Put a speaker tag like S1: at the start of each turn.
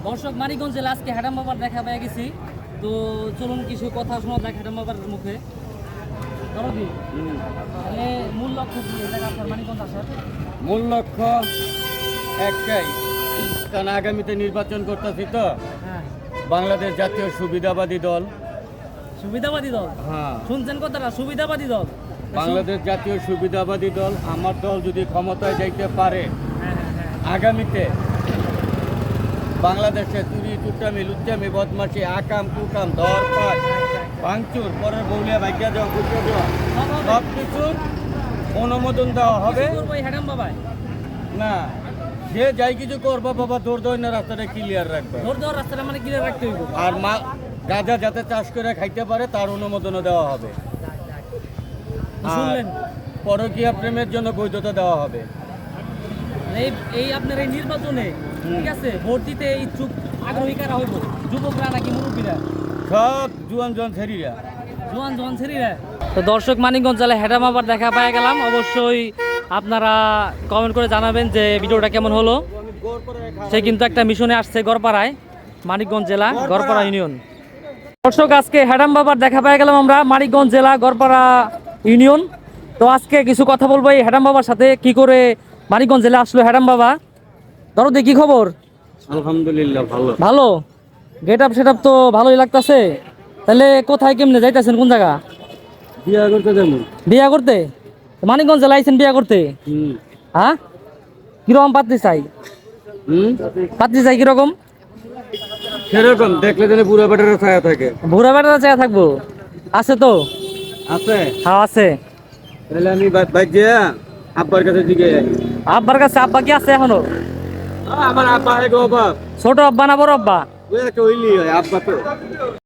S1: দর্শক মানিকগঞ্জ জেলা আজকে হ্যাডাম বাবার দেখা পেয়ে গেছি। তো চলুন কিছু কথা শোনা যাক হ্যাডাম বাবার মুখে। দরদি, তাহলে মূল লক্ষ্য কি এটা আপনার মানিকগঞ্জ আসার?
S2: মূল লক্ষ্য একটাই, কারণ আগামীতে নির্বাচন করতেছি তো।
S1: হ্যাঁ,
S2: বাংলাদেশ জাতীয় সুবিধাবাদী দল।
S1: সুবিধাবাদী দল?
S2: হ্যাঁ,
S1: শুনছেন কথাটা, সুবিধাবাদী দল।
S2: বাংলাদেশ জাতীয় সুবিধাবাদী দল। আমার দল যদি ক্ষমতায় যাইতে পারে
S1: হ্যাঁ হ্যাঁ হ্যাঁ।
S2: আগামীতে বাংলাদেশে চুরি টুটামি লুচ্চামি বদমাশি আকাম কুকাম ধরপাট ভাঙচুর পরের বৌলিয়া ভাগ্যা দেওয়া ঘুরতে দেওয়া সব কিছুর অনুমোদন দেওয়া হবে।
S1: কিছু করবো এই হ্যাডাম বাবায়?
S2: না, যে যাই কিছু করবো বাবা দৌড় দৌড় না রাস্তাটা ক্লিয়ার রাখবে।
S1: ধর ধর রাস্তাটা মানে ক্লিয়ার রাখতে হইব।
S2: আর মা গাঁজা যাতে চাষ করে খাইতে পারে তার অনুমোদনও দেওয়া হবে।
S1: শুনলেন?
S2: পরকীয়া প্রেমের জন্য বৈধতা দেওয়া হবে।
S1: এই এই আপনার এই নির্বাচনে ঠিক আছে ভোট দিতে ইচ্ছুক আগ্রহী কারা হইব? যুবকরা নাকি মুরব্বীরা?
S2: সব জুয়ান জুয়ান ছেড়িরা।
S1: জোয়ান জোয়ান ছেড়িরা। তো দর্শক মানিকগঞ্জ জেলায় হ্যাডাম আবার দেখা পেয়ে গেলাম। অবশ্যই আপনারা কমেন্ট করে জানাবেন যে ভিডিওটা কেমন হলো। সে কিন্তু একটা মিশনে আসছে গড়পাড়ায়, মানিকগঞ্জ জেলা গড়পাড়া ইউনিয়ন। দর্শক আজকে হ্যাডাম বাবার দেখা পেয়ে গেলাম আমরা মানিকগঞ্জ জেলা গড়পাড়া ইউনিয়ন। তো আজকে কিছু কথা বলবো এই হ্যাডাম বাবার সাথে, কি করে মানিকগঞ্জ জেলা আসলো হ্যাডাম বাবা। দরদি, কি খবর?
S2: আলহামদুলিল্লাহ ভালো।
S1: ভালো। গেট আপ সেট আপ তো ভালোই লাগতাছে। তাহলে কোথায় কেমনে যাইতেছেন, কোন জায়গা?
S2: বিয়া করতে যাবো।
S1: বিয়া করতে? মানিকগঞ্জ জেলা আইছেন বিয়া করতে? হ্যাঁ, কিরকম পাত্রী চাই? পাত্রী চাই কিরকম?
S2: সেরকম দেখলে যেন বুড়া বেটার ছায়া থাকে।
S1: ভুরা বেটা চাই থাকবো? আছে তো?
S2: আছে?
S1: হ্যাঁ আছে।
S2: তাহলে আমি বাইক যেয়া আব্বার কাছে দিকে যাই।
S1: আব্বার কাছে? আব্বা কি আছে এখনো?
S2: আমার আব্বা এক বাপ।
S1: ছোট আব্বা না বড় আব্বা?
S2: ওই একটা হইলি হয় আব্বা তো।